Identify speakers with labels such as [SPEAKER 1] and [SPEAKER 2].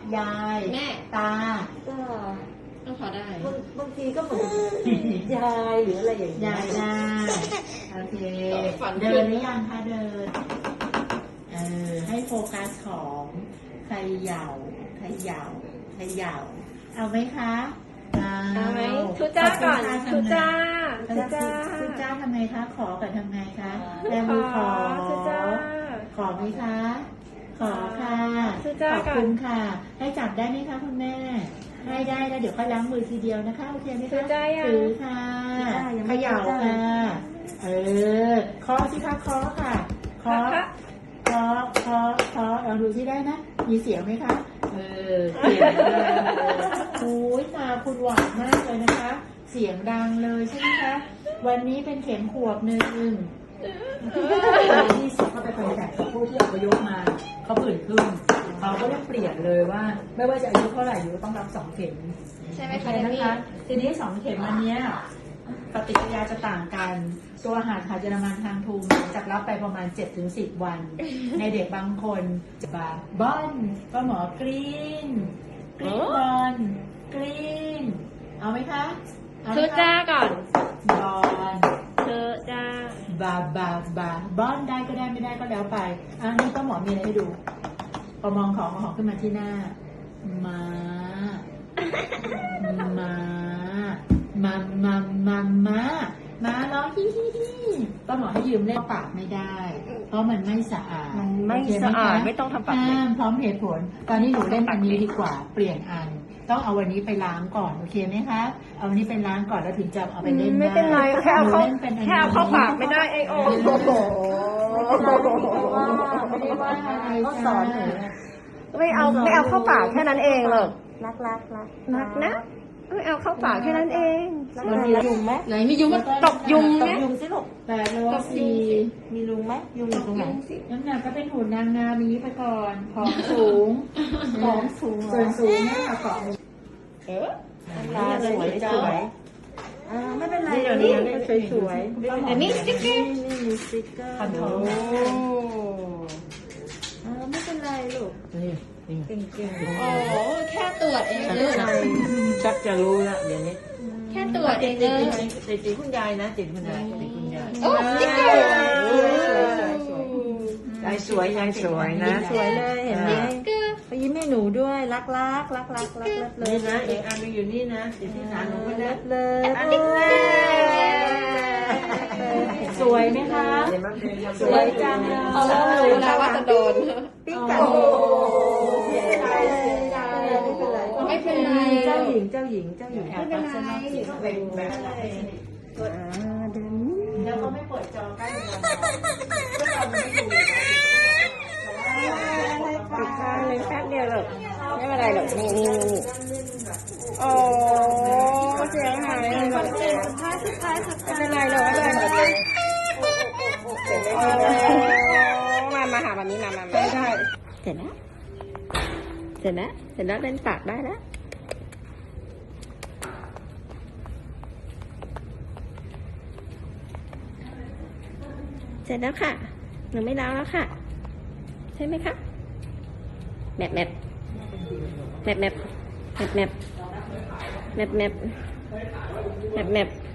[SPEAKER 1] ยาย
[SPEAKER 2] แม่
[SPEAKER 1] ตา
[SPEAKER 3] ก็
[SPEAKER 2] พอได้
[SPEAKER 3] บางทีก็เหมือนยายหรืออะไรอย่างเงี้ย
[SPEAKER 1] ยายได้โอเคเดินหรือยังคะเดินให้โฟกัสของเขย่าเอาไหมคะ
[SPEAKER 2] เอาไหมทุจ้าก่อนทุจ้า
[SPEAKER 1] ทำไงคะขอกับทำไงคะแบมือขอ
[SPEAKER 2] ทุจ้า
[SPEAKER 1] ขอไหมคะขอค่ะ
[SPEAKER 2] ทุจ้า
[SPEAKER 1] ขอบคุณค่ะให้จับได้ไหมคะคุณแม่ให้ได้แล้วเดี๋ยวค่อยล้างมือทีเดียวนะคะโอเคไหมคะถือค่ะเขย่าค่ะเคาะสิคะเคาะค่ะเคาะเอาดูที่ได้นะมีเสียงไหมคะเสียงเลยโอ้ยตาคุณหวานมากเลยนะคะ เสียงดังเลยใช่ไหมคะวันนี้เป็นเข็มขวบหนึ่งที่เสียเข้าไปคอนแทคกับผู้ที่อพยพมาเขาผื่นขึ้นเขาก็ต้องเปลี่ยนเลยว่าไม่ว่าจะอายุเท่าไหร่อยู่ต้องรับ2 เข็ม
[SPEAKER 2] ใช่ไหมคะ
[SPEAKER 1] นะคะทีนี้2 เข็มอันนี้ปฏิกิริยาจะต่างกันตัวอาหารเยอรมันทางทูมจะรับไปประมาณ 7-10 วัน ในเด็กบางคนจะบอนก็หมอกรีนบอนกรีนเอาไหมคะ
[SPEAKER 2] ทุจ้าก่อน
[SPEAKER 1] บอน
[SPEAKER 2] ทุจ้า
[SPEAKER 1] บอนได้ก็ได้ไม่ได้ก็แล้วไปนี่ก็หมอมีอะไรให้ดูพอมองของขึ้นมาที่หน้ามาร้องฮิก็หมอให้ยืมเล่นปากไม่ได้เพราะมันไม่สะอาด
[SPEAKER 3] ไม่ต้องทำปาก
[SPEAKER 1] พร้อมเหตุผลตอนนี้หนูเล่นอันนี้ดีกว่าเปลี่ยนอันต้องเอาวันนี้ไปล้างก่อนโอเคไหมคะเอาวันนี้ไปล้างก่อนแล้วถึงจะเอาไปเล่นได้
[SPEAKER 2] ไม่เป็นไรแค่เอาเข้าปากไม่ได้ไอโอ
[SPEAKER 1] ไม่ได้ว่าอะไร
[SPEAKER 3] ก็สอนหนู
[SPEAKER 2] ไม่เอาเข้าปากแค่นั้นเองหรอก
[SPEAKER 3] รัก
[SPEAKER 2] นะไม่เอาเข้าปากแค่นั้นเอง
[SPEAKER 3] มันมียุงไหม
[SPEAKER 2] ไหนมียุงตบยุงไหม
[SPEAKER 3] ยุงสิลูก
[SPEAKER 1] 8 โล
[SPEAKER 3] มียุงไหมยุงอยู่ตรงไหน
[SPEAKER 1] น้ำหนักก็เป็นหุ่นนางงามนี้ไปก่อนของสูงส่วนสูงเนี่ยค่ะของ
[SPEAKER 3] ตาสวยไม่เป็นไรเดี๋ยวนี้สวย
[SPEAKER 2] แต่นี่สติ๊กเกอร์
[SPEAKER 3] มีสติ๊กเกอร์ไม่เป็นไรลูกเก่ง
[SPEAKER 2] โอ้แค่ตรวจเองเลย
[SPEAKER 3] ชักจะรู้แล้วเดี๋ยวนี้
[SPEAKER 2] แค่ตรวจเองเลย
[SPEAKER 3] ติดคุณยายนะติดคุณยาย
[SPEAKER 2] โอ้สติ๊กเกอร์
[SPEAKER 3] ยายสวยนะสวยเลยเห็นไหมไปยิ้มให้หนูด้วยรักเลยนะอีกอันนึงอยู่นี่นะอยู่ที่ขาหนูก็เลย
[SPEAKER 1] สวยไหมคะ
[SPEAKER 3] สวยจังเลย
[SPEAKER 2] รู้นะว่าจะโดน
[SPEAKER 3] ปิ๊กกัน
[SPEAKER 2] ไม่เป็นไร
[SPEAKER 3] เจ้าหญิง
[SPEAKER 2] ไม่เป็นไร
[SPEAKER 1] เป็นแบบแล้วก็ไม่เปิดจอใกล้เลย
[SPEAKER 2] ปิดข้างเลยแป๊บเดียวหรอกไม่เป็นไรหรอกนี่โอ้เสียงหายเลยสุดท้ายไม่เป็นไรหรอกไม่เป็นไรมาหาแบบนี้มาได้เสร็จแล้วเล่นปากได้แล้วเสร็จแล้วค่ะหนูไม่ล้างแล้วค่ะใช่ไหมคะแมป